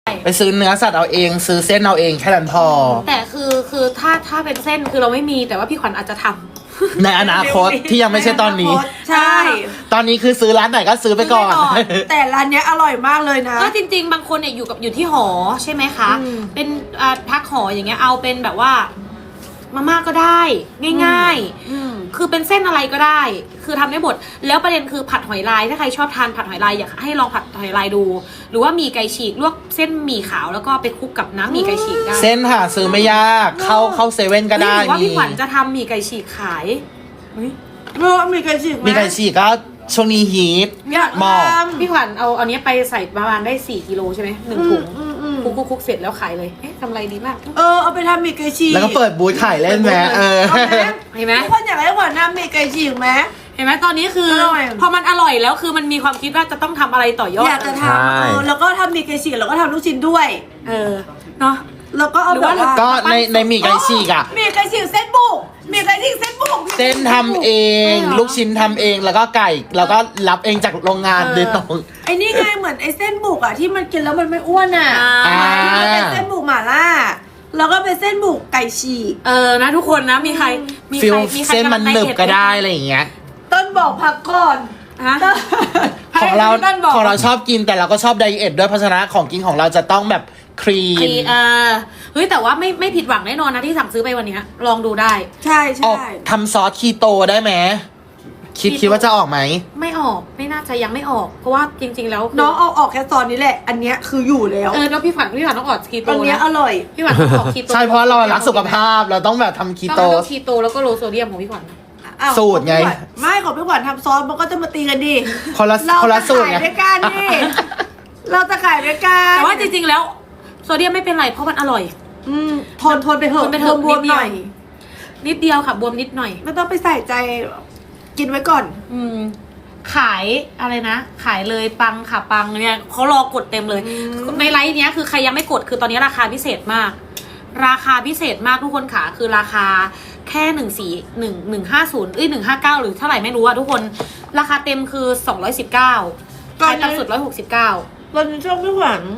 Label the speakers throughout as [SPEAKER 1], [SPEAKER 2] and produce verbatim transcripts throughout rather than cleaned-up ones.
[SPEAKER 1] ไปซื้อเนื้อสัตว์เอาเองซื้อเส้นเอาเองแค่นั้นพอ
[SPEAKER 2] แต่คือคือถ้าถ้าเป็นเส้นคือเราไม่มีแต่ว่าพี่ขวัญอาจจะทำ
[SPEAKER 1] ในอนาคตที่ยังไม่ใช่ตอนนี้
[SPEAKER 3] ใช่
[SPEAKER 1] ตอนนี้คือซื้อร้านไหนก็ซื้อไปก่อน
[SPEAKER 2] ซื้อไปก่อน
[SPEAKER 3] แต่ร้านเนี้ยอร่อยมากเลยนะ
[SPEAKER 2] ก็จริง ๆ บางคนเนี่ยอยู่กับอยู่ที่หอใช่ไหมคะ
[SPEAKER 3] อืม
[SPEAKER 2] เป็นอ่าพักหออย่างเงี้ยเอาเป็นแบบว่ามาม่าก็ได้ง่าย
[SPEAKER 3] อืม
[SPEAKER 2] ๆ คือเป็นเส้นอะไรก็ได้ คือทำได้หมดแล้วประเด็นคือผัดหอยลายถ้าใครชอบทานผัดหอยลายอยากให้ลองผัดหอยลายดู หรือว่าหมี่ไก่ฉีกลวกเส้นหมี่ขาวแล้วก็ไปคลุกกับน้ำหมี่ไก่ฉีกได้
[SPEAKER 1] เส้นหาซื้อไม่ยากเข้าเข้าเซเว่นก็ได้
[SPEAKER 2] หรือว่า
[SPEAKER 1] มี
[SPEAKER 2] พี่ขวัญจะทำหมี่ไก่ฉีกขายเฮ้ย
[SPEAKER 3] เออมีไก่ฉีกไหม
[SPEAKER 1] มีไก่ฉีกก็ช่วงนี้ฮีท
[SPEAKER 3] อยาก
[SPEAKER 1] หม้อ
[SPEAKER 3] ทำ
[SPEAKER 2] พี่ขวัญเอาเอาเนี้ยไปใส่ประมาณได้สี่กิโลใช่ไหมหนึ่งถุง
[SPEAKER 3] อืมอืม
[SPEAKER 2] คลุ
[SPEAKER 3] อื
[SPEAKER 2] ก
[SPEAKER 3] ม
[SPEAKER 2] คุกคุกเสร็จแล้วขายเลยเอ๊ะกำไรดีมาก
[SPEAKER 3] เออเอาไปทำมีไก่ฉีก
[SPEAKER 1] แล้วก็เปิดบูธขายเล่นแหมเออ
[SPEAKER 3] เอาไหม
[SPEAKER 2] เห็นไหม
[SPEAKER 3] ทุกคนอยากให้ขวัญทำมีไก่ฉีกไหม
[SPEAKER 2] เห็นไหมตอนนี้คือ
[SPEAKER 3] อร่อย
[SPEAKER 2] พอมันอร่อยแล้วคือมันมีความคิดว่าจะต้องทำอะไรต่อยอด
[SPEAKER 3] อยากจะท
[SPEAKER 1] ใช่
[SPEAKER 3] ำเออแล้วก็ทำมีไก่ฉีกแล้วก็ทำลูกชิ้นด้วย
[SPEAKER 2] เออเนาะ
[SPEAKER 3] แล้วก็เอา
[SPEAKER 2] หรือ
[SPEAKER 3] แบบ
[SPEAKER 2] ว่า
[SPEAKER 3] ว่า
[SPEAKER 1] ก็ในในหมี่ไก่ฉีกอ่ะ
[SPEAKER 3] มีไก่ฉีกเส้นบุกมีไก่ฉีกเส้นบุก
[SPEAKER 1] เส้นทำเอง ลูกชิ้นทำเองแล้วก็ไก่แล้วก็รับเองจากโรงงานโดยตรง
[SPEAKER 3] ไอ้นี่ไงเหมือนไอ้เส้นบุกอ่ะที่มันกินแล้วมันไม่อ้วนอ่ะ
[SPEAKER 1] อ่า
[SPEAKER 3] มันเป็นเส้นบุกหม่าล่าแล้วก็เป็นเส้นบุกไก่ฉีก
[SPEAKER 2] เออนะทุกคนนะมีใครมี
[SPEAKER 1] ฟิ
[SPEAKER 2] ใค
[SPEAKER 1] ล
[SPEAKER 2] รมีใคร
[SPEAKER 1] เส้นมันหนึบก็ได้
[SPEAKER 2] กำลัง
[SPEAKER 1] อะไรอย่างเงี้ย
[SPEAKER 3] ต้นบอกพักก่อน
[SPEAKER 2] ฮะ
[SPEAKER 1] ของเรา
[SPEAKER 2] ให้พี่ต้นบอก
[SPEAKER 1] ของเราชอบกินแต่เราก็ชอบไดเอทด้วยเพราะฉะนั้นของกินของเราจะต้องแบบคลี
[SPEAKER 2] คลี
[SPEAKER 1] น
[SPEAKER 2] เออเฮ้ยแต่ว่าไม่ไม่ผิดหวังแน่นอนนะที่สั่งซื้อไปวันเนี้ยลองดูได้
[SPEAKER 3] ใช่
[SPEAKER 1] ออก
[SPEAKER 3] ใช่
[SPEAKER 1] ทำซอสคีโตได้ไหมคิด
[SPEAKER 2] คีโต
[SPEAKER 1] คิดว่าจะออกไหม
[SPEAKER 2] ไม่ออกไม่น่าจะยังไม่ออก เพราะว่าจริง ๆ แล้วคื
[SPEAKER 3] น้องเอาออกแค่ตอนนี้แหละ อันเนี้ยคืออยู่แล้ว
[SPEAKER 2] เออแล้วพี่ขวัญพี่ขวัญต้องออกคีโต
[SPEAKER 3] อันเนี้ย
[SPEAKER 2] นะ
[SPEAKER 3] อร่อย
[SPEAKER 2] พี่ขวัญต้องออกคีโต
[SPEAKER 1] ใช่เพราะเรารักสุขภาพเราต้องแบบทำคี
[SPEAKER 2] ต้อง
[SPEAKER 1] โต
[SPEAKER 2] เอาคีโตแล้วก็โลโซเดียมของพี่ขวัญ
[SPEAKER 3] อ้าว
[SPEAKER 1] สูตรไง
[SPEAKER 3] ของพี่ขวัญไม่ของพี่ขวัญทำซอสมันก็จะมาตีกันดิ
[SPEAKER 1] คนละ
[SPEAKER 3] เรา
[SPEAKER 1] คนละ
[SPEAKER 3] จะ
[SPEAKER 1] สูตร
[SPEAKER 3] ขาย
[SPEAKER 1] ไง
[SPEAKER 3] ด้วยกันดิเราจะขายด้วยกัน
[SPEAKER 2] แต่ว่าจริงๆแล้วโซเดียมไม่เป็นไรเพราะมันอร่อย
[SPEAKER 3] อืมทนทนไปเถ
[SPEAKER 2] ท
[SPEAKER 3] อะ
[SPEAKER 2] นไปเถอะ
[SPEAKER 3] บวม
[SPEAKER 2] นิดเดียว
[SPEAKER 3] ๆหน่อย
[SPEAKER 2] นิดเดียวค่ะบวมนิดหน่อย
[SPEAKER 3] ไม่ต้องไปใส่ใจกินไว้ก่อน
[SPEAKER 2] อืมขายอะไรนะ ขายเลยปังค่ะปังเนี่ยเขารอกดเต็มเลย
[SPEAKER 3] อืม
[SPEAKER 2] ในไลฟ์เนี้ยคือใครยังไม่กดคือตอนนี้ราคาพิเศษมาก ราคาพิเศษมากทุกคนค่ะคือราคาแค่หนึ่งสี่หนึ่งหนึ่งห้าศูนย์เอ้ยหนึ่งห้าเก้าหรือเท่าไหร่ไม่รู้อะทุกคนราคาเต็มคือสองร้อยสิบเก้าขายต่ำสุดร้อยหกสิบเก้า
[SPEAKER 3] ตอนนี้ช่วงพี่ขวัญ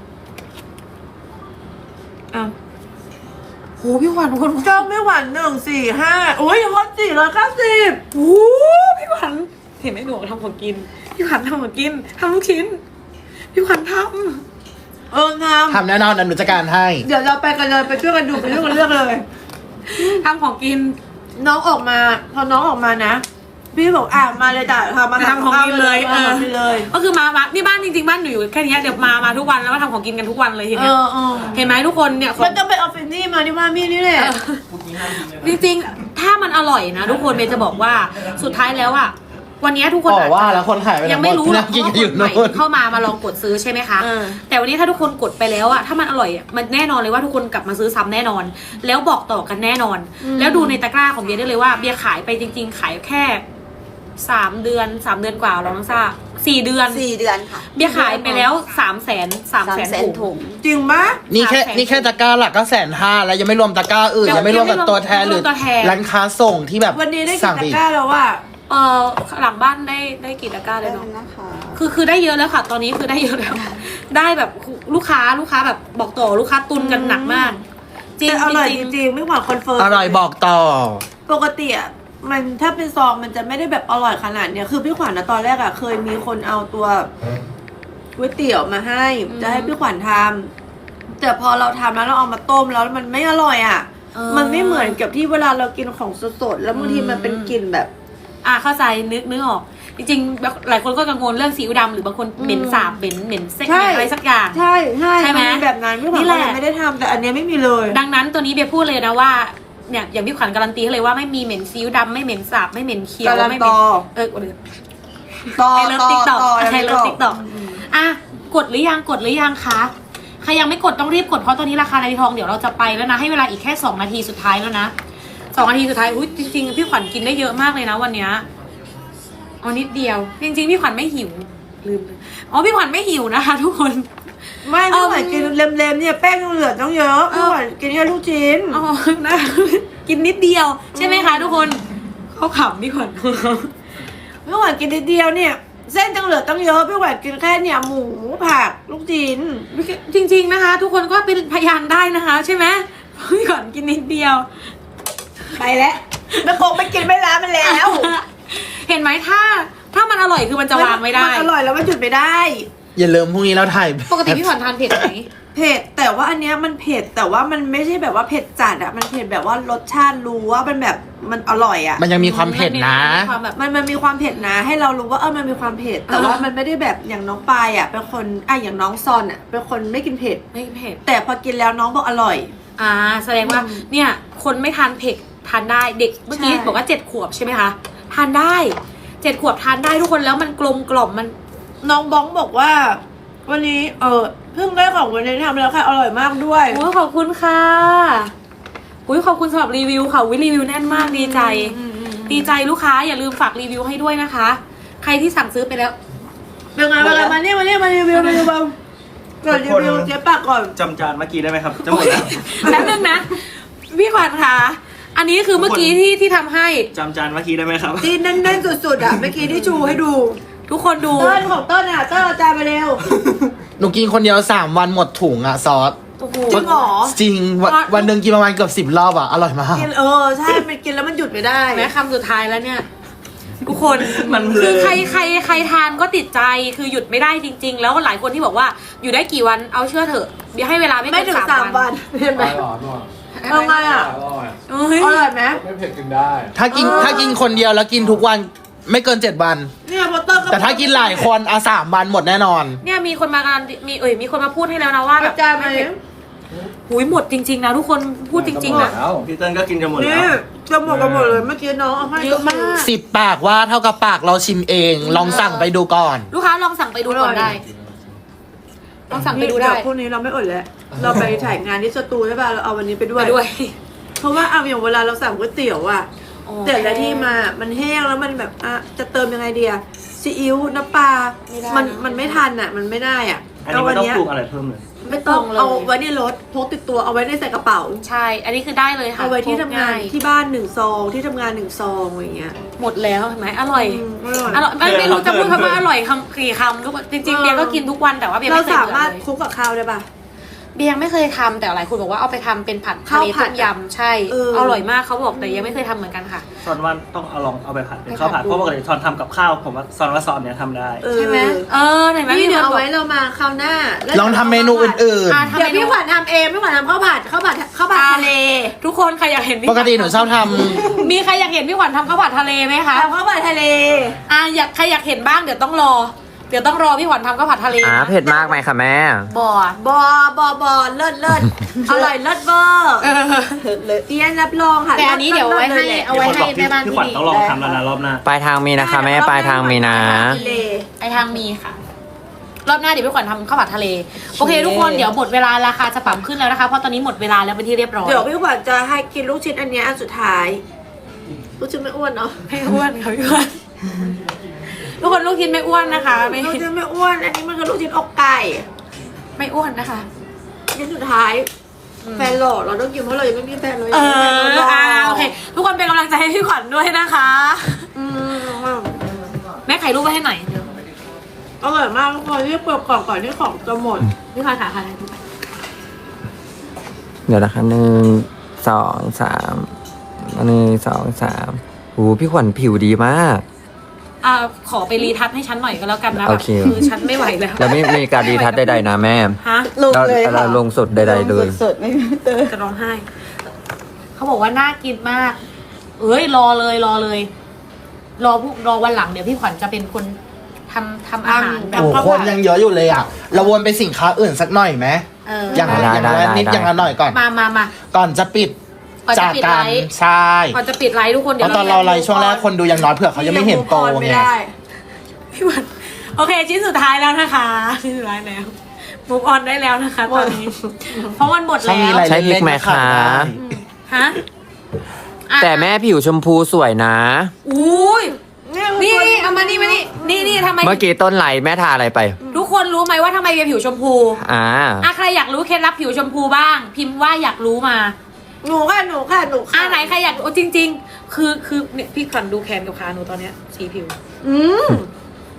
[SPEAKER 2] อ้าวโหพี่ขวัญทุกคน
[SPEAKER 3] ช่วงพี่ขวัญหนึ่งสี่ห้าโอ้ยฮอตสี่ร้อยเก้าสิบ
[SPEAKER 2] โอ้พี่ขวัญเห็นไหมหนูทำของกิน พี่ขวัญทำของกินทำลูกชิ้น พี่ขวัญท
[SPEAKER 3] เออท
[SPEAKER 1] ทำแน่นอนอนุจัดการให้
[SPEAKER 3] ำเดี๋ยวเราไปกันเลยไปช่วยกันดูไปช่วยกันเลือกเลย
[SPEAKER 2] ำทำของกิน
[SPEAKER 3] น้องออกมาพอน้องออกมานะ พี่บอกอ่ะมาเลยจ้ะทำมา
[SPEAKER 2] ทำของกินเลย
[SPEAKER 3] เออกินเลย
[SPEAKER 2] ก็คือมามานี่บ้านจริงๆบ้านหนูอยู่แค่เนี้ยเดี๋ยวมามาทุกวันแล้วก็ทำของกินกันทุกวันเลยที
[SPEAKER 3] เอ
[SPEAKER 2] เนี้ย
[SPEAKER 3] อเออ
[SPEAKER 2] เห็นไหมทุกคนเนี่ยขอ
[SPEAKER 3] มัน
[SPEAKER 2] ง
[SPEAKER 3] ต้องไปออฟฟิศนี่มาที่บ้านพี่นี่แหละ
[SPEAKER 2] จริงๆ ถ้ามันอร่อยนะทุกคนเบนจะบอกว่าสุดท้ายแล้วอะวันนี้ทุกคน
[SPEAKER 1] บอก
[SPEAKER 2] อาจ
[SPEAKER 1] ว่า
[SPEAKER 2] จะ
[SPEAKER 1] แล้วคนขายไปไหน
[SPEAKER 2] ยังไม่รู้หรอก
[SPEAKER 1] หมดนั่งกิน
[SPEAKER 2] ว่า
[SPEAKER 1] กัน
[SPEAKER 2] ค
[SPEAKER 1] อยู่
[SPEAKER 2] นใหม่
[SPEAKER 1] นู่น
[SPEAKER 2] เข้ามามาลองกดซื้อใช่ไหมคะ
[SPEAKER 3] เออ
[SPEAKER 2] แต่วันนี้ถ้าทุกคนกดไปแล้วอะถ้ามันอร่อยอะมันแน่นอนเลยว่าทุกคนกลับมาซื้อซ้ำแน่นอน แล้วบอกต่อกันแน่นอน แล้วดูในตะกร้าของเบียร์ได้เลยว่าเบียร์ขายไปจริง ๆ ขายแค่สามเดือนสามเดือนกว่าเราต้องทราบสี่เดือน
[SPEAKER 4] สี่เดือนค่ะ
[SPEAKER 2] เบียร์ขายไปแล้วสามแสนสาม
[SPEAKER 4] สาม
[SPEAKER 2] แสน
[SPEAKER 4] แสน
[SPEAKER 2] ถุ
[SPEAKER 4] ถุ
[SPEAKER 2] ง
[SPEAKER 4] ง
[SPEAKER 3] จริงปะ
[SPEAKER 1] นี่แค่
[SPEAKER 2] สามแสน
[SPEAKER 1] นี่แค่ตะกร้าหลักก็แสนห้าแล้วยังไม่รวมตะกร้าอื่น
[SPEAKER 2] ยัง
[SPEAKER 1] ยังไม่รวมกับตัวแทน
[SPEAKER 2] ยัง
[SPEAKER 1] ห
[SPEAKER 2] ไม่
[SPEAKER 1] รื
[SPEAKER 2] ร
[SPEAKER 1] อ
[SPEAKER 2] วมตัวแทน
[SPEAKER 1] ร้านค้าส่งที่แบบ
[SPEAKER 3] วันนี้ได้กิ
[SPEAKER 1] สั่
[SPEAKER 3] น
[SPEAKER 1] ง
[SPEAKER 3] ตะ
[SPEAKER 1] อีก
[SPEAKER 3] กร้าแล้วว่า
[SPEAKER 2] เออหลังบ้านได้ได้กี่ตะกร้าเลยเนาะ
[SPEAKER 4] นะคะ
[SPEAKER 2] คือคือได้เยอะแล้วค่ะ ตอนนี้คือได้เยอะแล้ว ได้แบบลูกค้าลูกค้าแบบบอกต่อลูกค้าตุนกันหนักมาก จริง
[SPEAKER 3] แต่อร่อย
[SPEAKER 2] จ
[SPEAKER 3] จ
[SPEAKER 2] ริง
[SPEAKER 3] ริงๆไม่หวานคอนเฟิร์ม
[SPEAKER 1] อร่อยบอกต่อ
[SPEAKER 3] ปกติอ่ะมันถ้าเป็นซองมันจะไม่ได้แบบอร่อยขนาดเนี้ยคือพี่ขวัญนะตอนแรกอ่ะเคยมีคนเอาตัวก๋วยเตี๋ยวมาให้ จะให้พี่ขวัญทำแต่พอเราทำแล้วเราเอามาต้มแล้วมันไม่อร่อยอ่ะ
[SPEAKER 2] เออ
[SPEAKER 3] มันไม่เหมือนกับที่เวลาเรากินของสดๆแล้วบางทีมันเป็นกลิ่นแบบ
[SPEAKER 2] อ่ะเข้าใจนึกนึกออก จริงๆหลายคนก็กังวลเรื่องซีอิ๊วดำหรือบางคนเหม็นสาบเหม็นเหม็นเซ็ก
[SPEAKER 3] ใช่
[SPEAKER 2] เหม็นอะไรสักอย่าง
[SPEAKER 3] ใช่ใช่
[SPEAKER 2] ใช่ไหม
[SPEAKER 3] นเป็นแบบนั้นพี่ขวัญ
[SPEAKER 2] นี่แห
[SPEAKER 3] ก็
[SPEAKER 2] ละ
[SPEAKER 3] เลยไม่ได้ทำแต่อันเนี้ยไม่มีเลย
[SPEAKER 2] ดังนั้นตัวนี้เบียร์พูดเลยนะว่าเนี่ยอย่างพี่ขวัญการันตีให้เลยว่าไม่มีเหม็นซีอิ๊วดำไม่เหม็นสาบไม่เหม็นเคี้ยว
[SPEAKER 3] การัน
[SPEAKER 2] ไม่เหม็น
[SPEAKER 3] ต่อ
[SPEAKER 2] เออเดี๋ยว
[SPEAKER 3] ต่อ
[SPEAKER 2] ไฮเลิฟติ๊กต็อก
[SPEAKER 3] ต่
[SPEAKER 2] ไฮเลิฟติ๊กต็อก
[SPEAKER 3] ม
[SPEAKER 2] อ่ะกดหรือยังกดหรือยังคะใครยังไม่กดต้องรีบกดเพราะตอนนี้ราคานาทีทองเดี๋ยวเราจะไปแล้วนะให้เวลาอีกแค่สองนาทีสุดท้ายแล้วนะสองนาทีสุดท้ายอุ้ยจริงๆพี่ขวัญกินได้เยอะมากเลยนะวันเนี้ยเอานิดเดียว จริงๆพี่ขวัญไม่หิวลืมเลยอ๋อพี่ขวัญไม่หิวนะคะ ทุกคน
[SPEAKER 3] ไม่พี่ขวัญกินเล็มๆเนี่ยแป้งยังเหลือต้องเยอะ
[SPEAKER 2] เอ
[SPEAKER 3] พี่
[SPEAKER 2] อ
[SPEAKER 3] ขวัญกินแค่ลูกชิ้น
[SPEAKER 2] อ๋อนะ กินนิดเดียว ใช่ไหมคะทุกคนเขาขำพี่ขวัญ
[SPEAKER 3] พี่ขวัญกินนิดเดียวเนี่ยเส้นจังเหลือตั้งเยอะพี่ขวัญกินแค่เนี่ยหมูผักลูกชิ้น
[SPEAKER 2] จริง ๆนะคะ ทุกคนก็เป็นพยานได้นะคะ ใช่ไหมพี่ขวัญกินนิดเดียว
[SPEAKER 3] ไปแล้วแม่คงไม่กินไม่ร้านมันแล้ว
[SPEAKER 2] เห็นไหมถ้า ถ้ามันอร่อยคือมันจะวางไม่ได้
[SPEAKER 3] มันอร่อยแล้วมันหยุดไม่ได้
[SPEAKER 1] อย่าลืมพรุ่งนี้เราถ่าย
[SPEAKER 2] ปกติพี่ขวัญทานเผ็ดไหม
[SPEAKER 3] เผ็ดแต่ว่าอันเนี้ยมันเผ็ดแต่ว่ามันไม่ใช่แบบว่าเผ็ดจัดอะมันเผ็ดแบบว่ารสชาติรู้ว่ามันแบบมันอร่อยอะ
[SPEAKER 1] มันยังมีความเผ็ดนะ
[SPEAKER 2] มีความแบบ
[SPEAKER 3] มันมันมีความเผ็ดนะ ให้เรารู้ว่าเออมันมีความเผ็ดแต่ว่ามันไม่ได้แบบอย่างน้องปายอะเป็นคนอ่ะอย่างน้องซอนอะเป็นคนไม่กินเผ็ด
[SPEAKER 2] ไม่เผ็ด
[SPEAKER 3] แต่พอกินแล้วน้องบอกอร่อย
[SPEAKER 2] อ่า แสดงว่า
[SPEAKER 3] อืม
[SPEAKER 2] เนี่ย คนไม่ทานเผ็ดทานได้ เด็กเมื่อกี้
[SPEAKER 3] ใช่
[SPEAKER 2] บอกว่าเจ็ดขวบใช่ไหมคะ ทานได้เจ็ดขวบทานได้ทุกคนแล้วมันกลมกล่อมมัน
[SPEAKER 3] น้องบ้องบอกว่า วันนี้เออเพิ่งได้ของวันนี้ทำแล้วค่ะอร่อยมากด้วย
[SPEAKER 2] โอ้ยขอบคุณค่ะอุ้ยขอบคุณสำหรับรีวิวค่ะวิรีวิวแน่นมากดีใจ
[SPEAKER 3] อืมอืม
[SPEAKER 2] ดีใจลูกค้าอย่าลืมฝากรีวิวให้ด้วยนะคะ ใครที่สั่งซื้อไปแล้ว
[SPEAKER 3] เป็นไงเป็นไงมาเนี่ยมาเนี่ยมารีวิวมารีวิวก่อนรีวิวเจ๊ปากก่อน
[SPEAKER 4] จำจานเมื่อกี้ได้ไหมครับจะหมดแล้ว
[SPEAKER 2] แล้วนึงนะ พี่ขวัญคะอันนี้คือเมื่อกี้ที่ที่ทำให้
[SPEAKER 4] จำจานเมื่อกี้ได้ไหมครับ
[SPEAKER 3] ที่แน่นๆสุดๆอ่ะเมื่อกี้ที่ชูให้ดู
[SPEAKER 2] ทุกคนดู
[SPEAKER 3] เต้นของเต้นอ่ะเต้นเอาจานมาเร็ว
[SPEAKER 1] หนูกินคนเดียวสามวันหมดถุงอะซอส
[SPEAKER 2] โอ้โห
[SPEAKER 3] จริงเหรอ
[SPEAKER 1] จริงวันวันหนึ่งกินประมาณเกือบสิบรอบอะอร่อยมาก
[SPEAKER 3] กินเออใช่มันกินแล้วมันหยุดไม่ได้
[SPEAKER 2] แม้คำสุดท้ายแล้วเนี่ย ทุกคน
[SPEAKER 4] มันเพลิน
[SPEAKER 2] คือใครใครใครทานก็ติดใจคือหยุดไม่ได้จริง ๆ แล้วหลายคนที่บอกว่าอยู่ได้กี่วันเอาเชื่อเถอะเดี๋ยวให้เวลาไม่
[SPEAKER 3] ไม่
[SPEAKER 2] เกิ
[SPEAKER 3] ถึ
[SPEAKER 2] น
[SPEAKER 3] ง
[SPEAKER 2] สาม
[SPEAKER 3] สาม
[SPEAKER 2] วั
[SPEAKER 3] วัน นเห็นไหม
[SPEAKER 5] อร่อยอร่อย
[SPEAKER 3] เอาไงอ่ะ
[SPEAKER 5] อร่อย
[SPEAKER 2] เอ้ย
[SPEAKER 3] อร่อยไหม
[SPEAKER 5] ไม่เผ็ดกินได้
[SPEAKER 1] ถ้ากิน
[SPEAKER 3] เออ
[SPEAKER 1] ถ้ากินคนเดียวแล้วกินทุกวันไม่เกินเจ็ดวัน
[SPEAKER 3] เนี่ยพอเต้นก็
[SPEAKER 1] แต่ถ้ากินหลายคนอะสามวันหมดแน่นอน
[SPEAKER 2] เนี่ยมีคนมาการนมีเอ่ยมีคนมาพูดให้แล้วนะว่าแบ
[SPEAKER 3] เอา
[SPEAKER 2] บ
[SPEAKER 3] จานมาเลย
[SPEAKER 2] หุยหมดจริง ๆ นะทุกคนพูดจริง ๆ นะ
[SPEAKER 5] แล้ว
[SPEAKER 4] พี่เติ้ลก็กินจะหมดแล้
[SPEAKER 3] นี่
[SPEAKER 4] ว
[SPEAKER 3] จะหมดกันหมดเลยเมื่อกี้น้องเอาให้
[SPEAKER 2] เยอะมาก
[SPEAKER 1] สิบปากว่าเท่ากับปากเราชิมเอง ลองสั่งไปดูก่อน
[SPEAKER 2] ลูกค้าลองสั่งไปดูก่อนได้ ลองสั่งไปดูได้
[SPEAKER 3] เยวพรุ่งนี้เราไม่อดแล้ว เราไปถ่ายงานที่สตูใช่ป่ะเราเอาวันนี้ไปด้ว
[SPEAKER 2] ไป
[SPEAKER 3] ย
[SPEAKER 2] ด้วย
[SPEAKER 3] เพราะว่าเอาอย่างเวลาเราสั่งก๋วยเตี๋ยวอะ
[SPEAKER 2] โอเค
[SPEAKER 3] แต่ละที่มา มันแห้งแล้วมันแบบอ่ะจะเติมยังไงเดียซีอิ๊วน้ำปลา
[SPEAKER 2] ไม่ได้
[SPEAKER 3] มัน
[SPEAKER 2] นะ
[SPEAKER 3] มันไม่ทันอะมันไม่ได้อะ
[SPEAKER 4] อันนี้ไม่ต้องปรุงอะไรเพิ่มเลย
[SPEAKER 3] ไม่ต้อง
[SPEAKER 2] ไม่ต้องเลย
[SPEAKER 3] เอาไว้ในรถพกติดตัวเอาไว้ในใส่กระเป๋า
[SPEAKER 2] ใช่ อันนี้คือได้เลยค่ะ
[SPEAKER 3] เอาไว้ที่ทำงาน
[SPEAKER 2] พกย
[SPEAKER 3] ที่บ้านหนึ่งซองที่ทำงานหนึ่งซองอะไรอย่างเงี้ย
[SPEAKER 2] หมดแล้วเห็นไหมอร่อย
[SPEAKER 3] อืมอร่อย
[SPEAKER 2] อร่อยไม่ไม่รู้จะพูด
[SPEAKER 4] เออ
[SPEAKER 2] คำว่าอร่อยคำกี่คำทุกคนจริงๆ
[SPEAKER 3] เออ
[SPEAKER 2] เบียร์ก็กินทุกวันแต่ว่าเบียร์
[SPEAKER 3] เรา
[SPEAKER 2] ไม่เคย
[SPEAKER 3] สา
[SPEAKER 2] เบื่อ
[SPEAKER 3] มารถ
[SPEAKER 2] เลย
[SPEAKER 3] คลุกกับข้าวได้ป่ะ
[SPEAKER 2] เบียร์ไม่เคยทำแต่หลายคนบอกว่าเอาไปทำเป็นผัดทะเล
[SPEAKER 3] ข้าวผั
[SPEAKER 2] ต้
[SPEAKER 3] ด
[SPEAKER 2] มยำใช่
[SPEAKER 3] เออ
[SPEAKER 2] อร่อยมากเขาบอกแต่ยังไม่เคยทำเหมือนกันค่ะ
[SPEAKER 4] ซอนว่าต้องเอาลองเอาไปผัดเป็น
[SPEAKER 2] ไป
[SPEAKER 4] ข้าวผัด
[SPEAKER 2] ผัดดู
[SPEAKER 4] เพราะปกติซอนทำกับข้าวผมว่าซอนว่าซอนเนี้ยทำได้
[SPEAKER 3] เออ
[SPEAKER 2] ใช่ไหมเออเห็นไหม
[SPEAKER 3] นี่
[SPEAKER 2] มี
[SPEAKER 3] เดี๋ยว
[SPEAKER 2] คน
[SPEAKER 3] เอา
[SPEAKER 2] บอก
[SPEAKER 3] ไว้เรามาคราวหน้าแล้ว
[SPEAKER 1] ลองทำเมนูอื่น
[SPEAKER 2] อ่ะ
[SPEAKER 3] เดี๋ยวพี่ขวัญทำเองพี่ขวัญทำข้าวผัดข้าวผัดข้าวผัดทะเล
[SPEAKER 2] ทุกคนใครอยากเห็นพี่
[SPEAKER 1] ๆ ปกติหนูชอบท
[SPEAKER 2] มีใครอยากเห็นพี่ขวัญทำข้าวผัดทะเลไหมคะ
[SPEAKER 3] ทำข้าวผัดทะเล
[SPEAKER 2] อ่ะอยากใครอยากเห็นบ้างเดี๋ยวต้องรอ เดี๋ยวต้องรอพี่ขวัญทำข้าวผัดทะเล
[SPEAKER 6] อ่า
[SPEAKER 2] นะ
[SPEAKER 6] เผ็ดมากไหมคะแม่
[SPEAKER 2] บ่อบ
[SPEAKER 3] อบอบอเลิศเลิศอร่อยเลิศเวอร์
[SPEAKER 2] เออ
[SPEAKER 3] เตียนรับรองค่ะ
[SPEAKER 2] แต่อันนี้เดี๋ยวไว้ให้
[SPEAKER 3] ลิศ
[SPEAKER 2] เอาไว้ให้
[SPEAKER 4] พี่
[SPEAKER 2] แม่บ้าน
[SPEAKER 4] พี่
[SPEAKER 2] ที่
[SPEAKER 4] ขวัญ
[SPEAKER 2] ดี
[SPEAKER 4] ต้องลองทำแล้วนะรอบหน้า
[SPEAKER 6] ปลายทางมีนะคะแม่ ปลายทางมีนะ
[SPEAKER 3] ทะเล
[SPEAKER 2] ไอทางมีค่ะ รอบหน้าเดี๋ยวพี่ขวัญทำข้าวผัดทะเล โอเค ทุกคนเดี๋ยวหมดเวลาราคาจะปรับขึ้นแล้วนะคะเพราะตอนนี้หมดเวลาแล้วเป็นที่เรียบร้อย
[SPEAKER 3] เดี๋ยวพี่ขวัญจะให้กินลูกชิ้นอันเนี้ยอันสุดท้าย ลูกชิ้นไม่อ้วนเนาะ
[SPEAKER 2] ไม่อ้วนค่ะพี่ขวัญทุกคนลูกชิ้นไม่อ้วนนะคะไม่
[SPEAKER 3] ลูกชิ้นไม่อ้วน อันนี้มันคือลูกชิ้นอกไก่
[SPEAKER 2] ไม่อ้วนนะคะ
[SPEAKER 3] ชิ้นสุดท้าย แฟนหล่อเราต้องกินเพราะเรายังไม่มีแฟนเลย
[SPEAKER 2] เออ
[SPEAKER 3] แฟนเราหล่
[SPEAKER 2] อ่าโอเค ทุกคนเป็นกำลังใจให้พี่ขวัญด้วยนะคะ
[SPEAKER 3] อืม
[SPEAKER 2] แม่ไข่รูปไว้ให้หน่อย
[SPEAKER 3] อร่อยมากทุกคนที่เปิดกล่องก่อนที่ของจะหมด
[SPEAKER 2] พี่ขวัญขาค่ะ
[SPEAKER 6] เดี๋ยวนะคะหนึ่งสองสามหนึ่งสองสามโอ้พี่ขวัญผิวดีมาก
[SPEAKER 2] อ่าขอไปรีทัชให้ฉันหน่อยก็แล้วกันนะ
[SPEAKER 6] โอ
[SPEAKER 2] แบบ
[SPEAKER 6] เค
[SPEAKER 2] คือฉันไม่ไหวแล้ว
[SPEAKER 6] แล้วไม่มีการดีทัศน์ใดๆนะแม่
[SPEAKER 2] ฮะ
[SPEAKER 3] ลงเลย
[SPEAKER 6] เรา
[SPEAKER 3] ค่ะ
[SPEAKER 6] ลงสดใดๆเลย
[SPEAKER 3] สดๆไม่มีเตย
[SPEAKER 2] จะร้องไห้ เขาบอกว่าน่ากินมาก เอ้ยรอเลยรอเลย รอพวกรอวันหลังเดี๋ยวพี่ขวัญจะเป็นคนทำทำอาหาร
[SPEAKER 1] ำ
[SPEAKER 2] แบบ
[SPEAKER 1] โอ้คนยังเยอะอยู่เลยอ่ะ เราวนไปสินค้าอื่นสักหน่อยไหม
[SPEAKER 2] เออ
[SPEAKER 1] อย่าง
[SPEAKER 6] ได้
[SPEAKER 1] อย่าง
[SPEAKER 6] ได้
[SPEAKER 1] ละ
[SPEAKER 6] ได้
[SPEAKER 1] นิด
[SPEAKER 6] ได้
[SPEAKER 1] อย่างละหน่อยก่อน
[SPEAKER 2] มามามา
[SPEAKER 1] ก่อนจะปิด
[SPEAKER 2] ก่อนจะ
[SPEAKER 1] จาก
[SPEAKER 2] ปิด
[SPEAKER 1] การ
[SPEAKER 2] ไลฟ์
[SPEAKER 1] ใช่
[SPEAKER 2] ก่อนจะปิดไลฟ์ทุกคน
[SPEAKER 1] เพ
[SPEAKER 2] เดี๋ยว
[SPEAKER 1] ราะตอนเราไลฟ์ช่วงแรกคนดูยังน้อยเผื่อเขายังไม่เห็นโต
[SPEAKER 3] ไม่
[SPEAKER 1] ไง
[SPEAKER 3] ได้
[SPEAKER 2] พี่ขวัญโอเค ชิ้นสุดท้ายแล้วนะคะชิ้นสุดท้ายแล้วมุกออนได้แล้วนะคะตอนนี้ เพราะมันหมด
[SPEAKER 1] ช่อง
[SPEAKER 2] แล้
[SPEAKER 1] นี้
[SPEAKER 2] ว
[SPEAKER 1] อะไร
[SPEAKER 6] ใช้พริกไหม
[SPEAKER 1] เล่นๆก็ขาด
[SPEAKER 6] คะ
[SPEAKER 1] ได้
[SPEAKER 2] ฮะอ่ะ
[SPEAKER 6] แต่แม่ผิวชมพูสวยนะ
[SPEAKER 2] อุ้ยนี่นี่เอามานี่มานี่นี่นี่ทำไม
[SPEAKER 6] เมื่อกี้ต้นไหลแม่ทาอะไรไป
[SPEAKER 2] ทุกคนรู้ไหมว่าทำไมเบียร์ผิวชมพู
[SPEAKER 6] อ่า
[SPEAKER 2] อ่ะใครอยากรู้เคล็ดลับผิวชมพูบ้าง พิมพ์ว่าอยากรู้มา
[SPEAKER 3] หนูค่ะหนูค่ะหนู
[SPEAKER 2] อ่ะ
[SPEAKER 3] ค่ะ
[SPEAKER 2] ไหนใครอยากรู้จริง ๆ คือคือเนี่ยพี่ขวัญดูแขนกับขาหนูตอนเนี้ยสีผิว
[SPEAKER 3] อืม
[SPEAKER 2] คื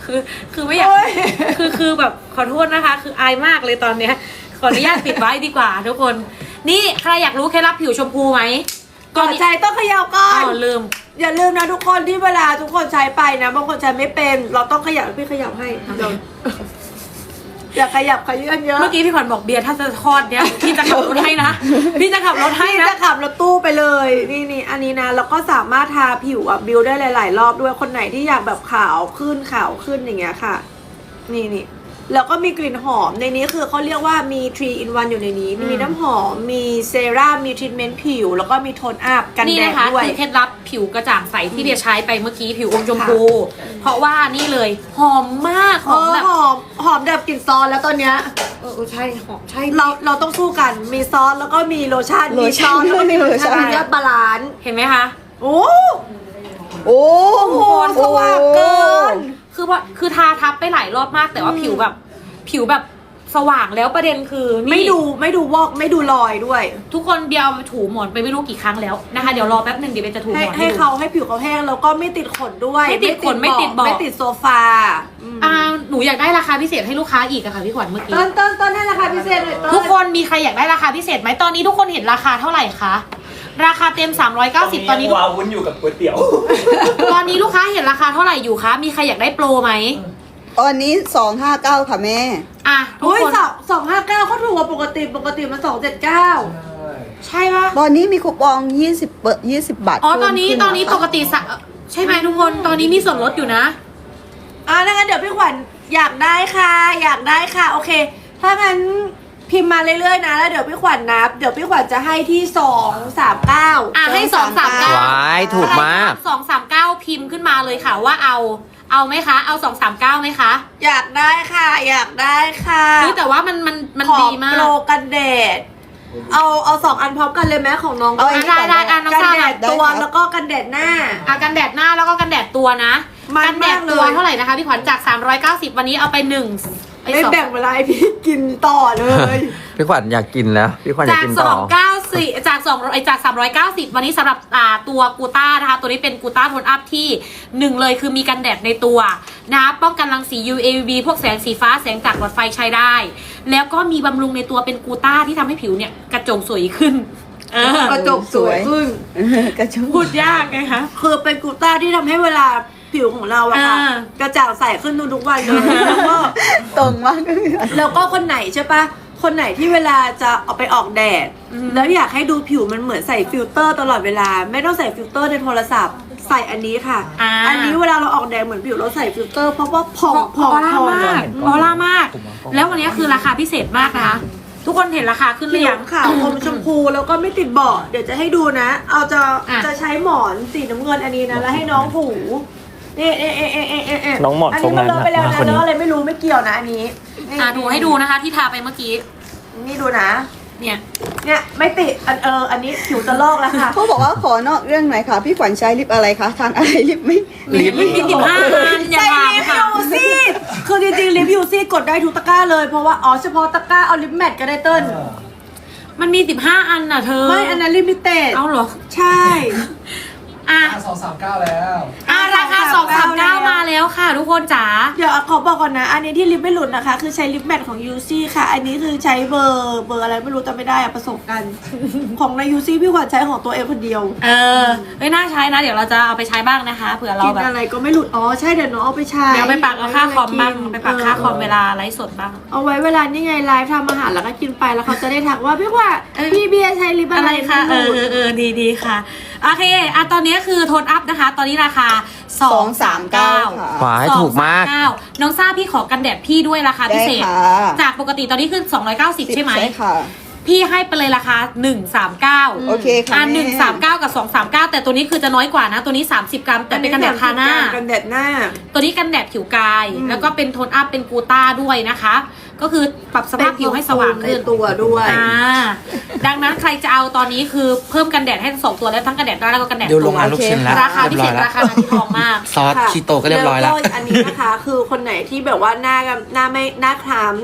[SPEAKER 2] คือคือไม่อยาก
[SPEAKER 3] โอ๊ย
[SPEAKER 2] คือคือแบบขอโทษนะคะ คืออายมากเลยตอนเนี้ยขออนุญาตปิดไว้ดีกว่าทุกคน นี่ใครอยากรู้เคล็ดลับผิวชมพูไหม
[SPEAKER 3] ก่อนใช้ต้องเขย่าก่อ
[SPEAKER 2] อ้าน วลืม
[SPEAKER 3] อย่าลืมนะทุกคนที่เวลาทุกคนใช้ไปนะบางคนใช้ไม่เป็น เราต้องขยับพี่ขยับให้เดี๋ยวอย่าขยับขยื่นเยอะ
[SPEAKER 2] เมื่อกี้พี่ขวัญบอกเบียร์ถ้าจะทอดเนี้ยพี่จะขับรถให้นะพี่จะขับรถให้
[SPEAKER 3] พี่
[SPEAKER 2] นะ
[SPEAKER 3] จะขับรถตู้ไปเลย นี่นี่อันนี้นะแล้วก็สามารถทาผิวอ่ะบิวได้หลาย ๆ รอบด้วยคนไหนที่อยากแบบขาวขึ้นขาวขึ้นอย่างเงี้ยค่ะ นี่นี่แล้วก็มีกลิ่นหอมในนี้คือเขาเรียกว่ามีทรี in วันอยู่ในนี้ มีน้ำหอมมีเซรั่มมีทรีทเมนต์ผิว แล้วก็มีโทนอัพกัน
[SPEAKER 2] นี่
[SPEAKER 3] แดด
[SPEAKER 2] นะคะ
[SPEAKER 3] ด้วย
[SPEAKER 2] คือเคล็ดลับผิวกระจ่างใสที่เบียร์ใช้ไปเมื่อกี้ผิวอมชมพู เพราะว่านี่เลยหอมมากห
[SPEAKER 3] เอ
[SPEAKER 2] อม
[SPEAKER 3] อ
[SPEAKER 2] แบบ
[SPEAKER 3] หอมหอมแบบกลิ่นซอสแล้วตอนเนี้ย
[SPEAKER 2] เออเออใช่หอมใช่
[SPEAKER 3] เราเราต้องสู้กันมีซอสแล้วก็มีโลชั่น
[SPEAKER 5] โล
[SPEAKER 3] มี
[SPEAKER 5] ชั่
[SPEAKER 3] ซอน สแล้วก็มี
[SPEAKER 5] โลชั่น
[SPEAKER 3] มียอดบาลานซ์
[SPEAKER 2] เห็นไหมคะ
[SPEAKER 3] โอ้
[SPEAKER 5] โอ้
[SPEAKER 3] โหสว่างเกิน
[SPEAKER 2] คือว่าคือทาทับไปหลายรอบมากแต่ว่าผิวแบบ ผิวแบบสว่างแล้วประเด็นคือนี่
[SPEAKER 3] ไม่ดูไม่ดูวอกไม่ดูรอยด้วย
[SPEAKER 2] ทุกคนเบียร์เอาไปถูหมอนไปไม่รู้กี่ครั้งแล้วนะคะเดี๋ยวรอแป๊บหนึ่งเดี๋ยวเบียร์จะถูห
[SPEAKER 3] ให้
[SPEAKER 2] มอน
[SPEAKER 3] ให้
[SPEAKER 2] ดู
[SPEAKER 3] เขาให้ผิวเขาแห้งแล้วก็ไม่ติดขนด้วย
[SPEAKER 2] ไม่ติดขนไม่ติดเบาะ
[SPEAKER 3] ไม่ติดโซฟาอืม
[SPEAKER 2] อ่าหนูอยากได้ราคาพิเศษให้ลูกค้าอีกอะค่ะพี่ขวัญเมื่อกี้
[SPEAKER 3] ต้นต้นต้นให้ราคาพิเศษหน่อยต้น
[SPEAKER 2] ทุกคนมีใครอยากได้ราคาพิเศษไหมตอนนี้ทุกคนเห็นราคาเท่าไหร่คะราคาเต็มสามร้อยเก้าสิบตอนนี้
[SPEAKER 4] วาวุ้นอยู่กับก๋วยเตี๋ยว
[SPEAKER 2] ตอนนี้ลูกค้าเห็นราคาเท่าไหร่อยู่คะมีใครอยากได้โปรไหม
[SPEAKER 5] ตอนนี้สองห้าเก้าค่ะแม่
[SPEAKER 2] อ่ะทุก
[SPEAKER 3] โอ้ย
[SPEAKER 2] คน
[SPEAKER 3] สองสองห้าเก้าเขาถูกกว่าปกติปกติมันสองเจ็ดเก้า
[SPEAKER 2] ใช่ปะ
[SPEAKER 5] ตอนนี้มีคูปองยี่สิบเปอร์ยี่สิบบาท
[SPEAKER 2] อ๋อตอนนี้
[SPEAKER 5] เพิ่ม
[SPEAKER 2] ต
[SPEAKER 5] ขึ้
[SPEAKER 2] อนนี้
[SPEAKER 5] ะคะ
[SPEAKER 2] ปกติสะใช่ไหมทุกคนตอนนี้มีส่วนลดอยู่นะ
[SPEAKER 3] อ่าถ้างั้นเดี๋ยวพี่ขวัญอยากได้ค่ะ อยากได้ค่ะ โอเค ถ้างั้นพิมพ์มาเรื่อยๆนะแล้วเดี๋ยวพี่ขวัญนับ เดี๋ยวพี่ขวัญจะให้ที่สองสามเก้า
[SPEAKER 2] อ่ะให้สองสามเก้า
[SPEAKER 6] ว้ายถูกมาก
[SPEAKER 2] สองสามเก้าพิมพ์ขึ้นมาเลยค่ะว่าเอาเอาไหมคะ เอาสองสามเก้าไหมคะ
[SPEAKER 3] อยากได้ค่ะ อยากได้ค่ะ
[SPEAKER 2] เฮ้ยแต่ว่ามันมันมัน
[SPEAKER 3] ขอ
[SPEAKER 2] ดีมาก
[SPEAKER 3] โปรกันแดด เอาเอาสองอันพร้อมกันเลยไหมของน้อง
[SPEAKER 5] เอาอันนี้
[SPEAKER 2] ได้
[SPEAKER 5] ก่อน
[SPEAKER 2] ได้อ่ะน้อง
[SPEAKER 3] กัน
[SPEAKER 2] ซา
[SPEAKER 3] แด
[SPEAKER 2] น่ะ
[SPEAKER 3] ดตัว
[SPEAKER 5] ได้ครับ
[SPEAKER 3] แล้วก็กันแดดหน้า
[SPEAKER 2] อ่ะกันแดดหน้าแล้วก็กันแดดตัวนะ
[SPEAKER 3] มัน
[SPEAKER 2] กันแดด
[SPEAKER 3] มากเลย
[SPEAKER 2] ตัวเท่าไหร่นะคะพี่ขวัญจากสามร้อยเก้าสิบวันนี้เอาไปหนึ่งไป
[SPEAKER 3] ไม่
[SPEAKER 2] สอง
[SPEAKER 3] แบ่งเวลาให้พี่กินต่อเลย
[SPEAKER 6] พี่ขวัญอยากกินแล้ว พี่ขวัญอยา
[SPEAKER 2] จาก
[SPEAKER 6] กกิน
[SPEAKER 2] ส
[SPEAKER 6] ต่
[SPEAKER 2] อ
[SPEAKER 6] อ
[SPEAKER 2] งเก้าสี่จากสองไอจากสามร้อยเก้าสิบวันนี้สำหรับอ่าตัวกูต้านะคะ ตัวนี้เป็นกูต้าโทนอัพที่หนึ่งเลยคือมีกันแดดในตัวนะคะป้องกันรังสี ยู เอ วี พวกแสงสีฟ้าแสงจากหลอดไฟใช้ได้ แล้วก็มีบำรุงในตัวเป็นกูต้าที่ทำให้ผิวเนี่ยกระจ่างสวยขึ้นเออก
[SPEAKER 3] ระจกสวยขึ้น
[SPEAKER 5] กระชุ่ม
[SPEAKER 2] พูดยากไงคะ
[SPEAKER 3] คือเป็นกูต้าที่ทำให้เวลาผิวของเราอะค่ะ
[SPEAKER 2] อ่า
[SPEAKER 3] กระจ่างใสขึ้นทุกๆวันเลยแล้วก็
[SPEAKER 5] ตรงมากเลยค่ะ
[SPEAKER 3] แล้วก็คนไหนใช่ปะคนไหนที่เวลาจะเอาไปออกแดด แล้วอยากให้ดูผิวมันเหมือนใส่ฟิลเตอร์ตลอดเวลา ไม่ต้องใส่ฟิลเตอร์ในโทรศัพท์ ใส่อันนี้ค่ะ
[SPEAKER 2] อ่า
[SPEAKER 3] อันนี้เวลาเราออกแดดเหมือนผิวเราใส่ฟิลเตอร์เพราะว่าผ่อง
[SPEAKER 2] พ
[SPEAKER 3] ผ่
[SPEAKER 2] อ
[SPEAKER 3] อง
[SPEAKER 2] ล่า
[SPEAKER 3] ผ่อง
[SPEAKER 2] มากพอล่ามาก แล้ววันนี้คือราคาพิเศษมากนะคะ ทุกคนเห็นราคาขึ้นหรื
[SPEAKER 3] ผิ
[SPEAKER 2] อ
[SPEAKER 3] ว
[SPEAKER 2] ยัง
[SPEAKER 3] ขาวอมชมพูแล้วก็ไม่ติดเบาะเดี๋ยวจะให้ดูนะ เอาจะ
[SPEAKER 2] อ่ะ
[SPEAKER 3] จะใช้หมอนสีน้ำเงินอันนี้นะแล้วให้น้องถูนี่เอะเอะเอะเอะเอะเะ
[SPEAKER 4] น้องหมอน
[SPEAKER 3] อัน
[SPEAKER 4] ทร
[SPEAKER 3] นี้
[SPEAKER 4] ง
[SPEAKER 3] มั
[SPEAKER 4] นั้น น
[SPEAKER 3] เลอะไปแล้ว
[SPEAKER 4] มา
[SPEAKER 3] นะ
[SPEAKER 4] คนนี้
[SPEAKER 3] แล้วอะไรไม่รู้ไม่เกี่ยวนะอันนี้นี่
[SPEAKER 2] อ่ะดูให้ดูนะคะ ที่ทาไปเมื่อกี้
[SPEAKER 3] นี่ดูนะ
[SPEAKER 2] เนี่ย
[SPEAKER 3] เนี่ยไม่ติดอันเอออันนี้ผิวจะลอกแล้วค่ะ
[SPEAKER 5] เขาบอกว่าขอนอกเรื่องหน่อยค่ะ พี่ขวัญใช้ลิปอะไรคะทานอะไรลิปไม่
[SPEAKER 2] ลิปมีสิบห้าอันอย่า
[SPEAKER 3] ใช้
[SPEAKER 2] ถาม
[SPEAKER 3] ลิป
[SPEAKER 2] ค่ะ
[SPEAKER 3] ยูซี่คือจริงๆลิปยูซี่กดได้ทุกตะกร้าเลยเพราะว่าอ๋อเฉพาะตะกร้าเอาลิปแมทก็ได้เติ้ล
[SPEAKER 2] มันมีสิบห้าอันน่ะเธอ
[SPEAKER 3] ไม่อันนั้นลิมิเต็ด
[SPEAKER 2] เอาเหรอ
[SPEAKER 3] ใช่
[SPEAKER 2] อ่ะ
[SPEAKER 1] สองสามเก้าแล้ว
[SPEAKER 2] อ่ะราคาสองสามเก้ามาแล้วค่ะ ทุกคนจ๋า
[SPEAKER 3] เดี๋ยวขอบอกก่อนนะ อันนี้ที่ลิปไม่หลุดนะคะ คือใช้ลิปแมทของยูซี่ค่ะ อันนี้คือใช้เบอร์เบอร์อะไรไม่รู้จำไม่ได้อะผสมกัน ของในยูซี่พี่ขวัญใช้ของตัวเองคนเดียว
[SPEAKER 2] เออเฮ้ยน่าใช้นะ เดี๋ยวเราจะเอาไปใช้บ้างนะคะเผื่อเรา
[SPEAKER 3] กิน
[SPEAKER 2] แบบ
[SPEAKER 3] อะไรก็ไม่หลุด อ๋อใช่เดี๋ยวน้องเอาไปใช้
[SPEAKER 2] เดี๋ยวไปปักเอาค่าคอมบ้าง
[SPEAKER 3] กิน
[SPEAKER 2] ไปปักค่าคอมเว
[SPEAKER 3] ออ
[SPEAKER 2] ลาไลฟ์สดบ้าง
[SPEAKER 3] เอาไว้เวลานี่ไงไลฟ์ทำอาหารแล้วก็กินไปแล้วเขาจะได้ทักว่าพี่ขวัญพี่เบียร์ใช้ลิป
[SPEAKER 2] อะ
[SPEAKER 3] อะไร ไร
[SPEAKER 2] คะเอ
[SPEAKER 3] ไม่
[SPEAKER 2] อ
[SPEAKER 3] หลุ
[SPEAKER 2] เอ
[SPEAKER 3] ด
[SPEAKER 2] อเออดีดีค่ะโอเคอ่ะตอนนี้คือโทนอัพนะคะ ตอนนี้ราคาสองสามเก้า
[SPEAKER 5] ค่ะ
[SPEAKER 6] หวายถูกมาก
[SPEAKER 2] น้องซ่าพี่ขอกันแดดพี่ด้วยราคาพิ
[SPEAKER 5] ได้
[SPEAKER 2] เศษ
[SPEAKER 5] ค่ะ
[SPEAKER 2] จากปกติตอนนี้คือสองร้อยเก้าสิบใช่ไหม
[SPEAKER 5] ใช่ค่ะ
[SPEAKER 2] พี่ให้ไปเลยราคาหนึ่งสามเก้า
[SPEAKER 5] โอเคค่ะ
[SPEAKER 2] อ่ะ
[SPEAKER 5] แม่
[SPEAKER 2] หนึ่งสามเก้ากับสองสามเก้าแต่ตัวนี้คือจะน้อยกว่านะ ตัวนี้สามสิบกรัมแต่เป็นกันแดดทาหน้า
[SPEAKER 3] กันแดดหน้า
[SPEAKER 2] ตัวนี้กันแดดผิวกาย
[SPEAKER 3] อืม
[SPEAKER 2] แล้วก็เป็นโทนอัพเป็นกูต้าด้วยนะคะ ก็คือปรับสภาพผิวให้สว่างขึ้น
[SPEAKER 3] ในตัวด้วย
[SPEAKER 2] อ่าดังนั้นใครจะเอาตอนนี้คือเพิ่มกันแดดให้ทั้งสองตัวแล้วทั้งกันแดดหน้าแล้วก็กันแดด
[SPEAKER 1] เดี๋ยวล
[SPEAKER 2] ตั
[SPEAKER 1] ง
[SPEAKER 2] ว
[SPEAKER 1] งานลูกชิ้นแล้ว
[SPEAKER 2] ราคาพิเศษ
[SPEAKER 1] เรียบร้อยแล้ว
[SPEAKER 2] ราคานาทีทองมาก
[SPEAKER 1] ซอส
[SPEAKER 3] ค่ะ
[SPEAKER 1] คีโตก็เรียบร้อยแล้ว
[SPEAKER 3] ก็อันนี้นะคะ คือคนไหนที่แบบว่าหน้าหน้าไม่หน้าคล้ำ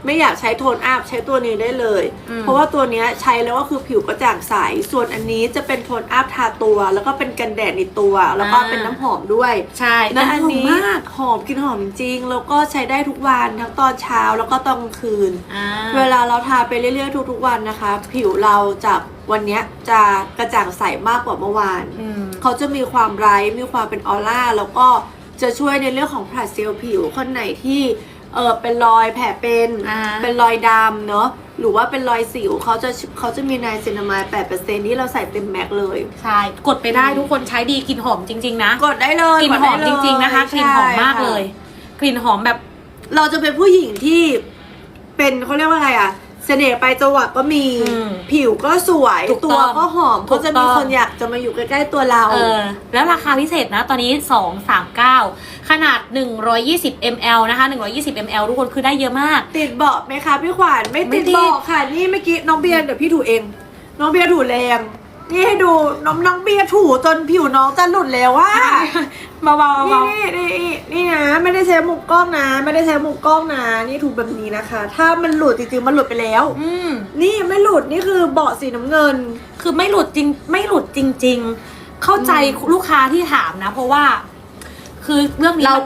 [SPEAKER 3] ไม่อยากใช้โทนอัพใช้ตัวนี้ได้เลย
[SPEAKER 2] อืม
[SPEAKER 3] เพราะว่าตัวเนี้ยใช้แล้วก็คือผิวกระจ่างใสส่วนอันนี้จะเป็นโทนอัพทาตัว แล้วก็เป็นกันแดดในตัว แล้วก็เป็นน้ำหอมด้วย
[SPEAKER 2] ใช่
[SPEAKER 3] และอันนี้
[SPEAKER 2] หมมาก
[SPEAKER 3] หอมกลินหอมจริงๆแล้วก็ใช้ได้ทุกวันทั้งตอนเช้าแล้วก็ตอนกลางคืน
[SPEAKER 2] อ่า
[SPEAKER 3] เวลาเราทาไปเรื่อยๆทุกๆวันนะคะ ผิวเราจากวันเนี้ยจะกระจ่างใสมากกว่าเมื่อวาน
[SPEAKER 2] อืม
[SPEAKER 3] เขาจะมีความไบรท์มีความเป็นออร่าแล้วก็จะช่วยในเรื่องของผลัดเซลล์ผิวคนไหนที่เออเป็นรอยแผลเป็น
[SPEAKER 2] อ่า
[SPEAKER 3] เป็นรอยดำเนาะหรือว่าเป็นรอยสิวเขาจะเขาจะมีไนซินามายด์ แปดเปอร์เซ็นต์ ที่เราใส่เต็มแม็กเลย
[SPEAKER 2] ใช่ กดไปได้ทุกคนใช้ดีกลิ่นหอมจริงๆนะ
[SPEAKER 3] กดได้เลย
[SPEAKER 2] กลิ่นหอมจริงๆนะคะกลิ่นหอมมากเลย กลิ่นหอมแบบ
[SPEAKER 3] เราจะเป็นผู้หญิงที่เป็นเขาเรียกว่าอะไรอะเสน่ห์ไปจังหวะก็มี
[SPEAKER 2] อืม
[SPEAKER 3] ผิวก็สวย
[SPEAKER 2] ถูก
[SPEAKER 3] ตั
[SPEAKER 2] ต้
[SPEAKER 3] ว
[SPEAKER 2] อง
[SPEAKER 3] ก็หอม
[SPEAKER 2] ถู
[SPEAKER 3] ก็
[SPEAKER 2] ก
[SPEAKER 3] จะ
[SPEAKER 2] ต้
[SPEAKER 3] มี
[SPEAKER 2] อง
[SPEAKER 3] คนอยากจะมาอยู่ใกล้ๆตัวเรา
[SPEAKER 2] เออแล้วราคาพิเศษนะ ตอนนี้สองสามเก้าขนาดหนึ่งร้อยยี่สิบมิลลิลิตร นะคะหนึ่งร้อยยี่สิบมิลลิลิตร ทุกคนคือได้เยอะมาก
[SPEAKER 3] ติดเบาะไหมคะพี่ขวัญไม่
[SPEAKER 2] ไม่
[SPEAKER 3] ติด
[SPEAKER 2] ติด
[SPEAKER 3] เบาะค่ะนี่เมื่อกี้น้องเบียร์เดี๋ยวพี่ถูเอง น้องเบียร์ถูแรงนี่ให้ดูน้องน้องเบียร์ถูจนผิวน้องจะหลุดแล้วว่า
[SPEAKER 2] เบาๆเบา
[SPEAKER 3] นี่นี่นี่นี่นะไม่ได้ใช้มุมกล้องนะ ไม่ได้ใช้มุมกล้องนะนี่ถูแบบนี้นะคะ ถ้ามันหลุดจริงๆมันหลุดไปแล้ว
[SPEAKER 2] ๆอืม
[SPEAKER 3] นี่ไม่หลุดนี่คือเบาะสีน้ำเงิน
[SPEAKER 2] คือไม่หลุดจริงไม่หลุดจริง ๆ เข้าใจลูกค้าที่ถามนะ เพราะว่า คือเรื่องนี้
[SPEAKER 3] เรา
[SPEAKER 2] มัน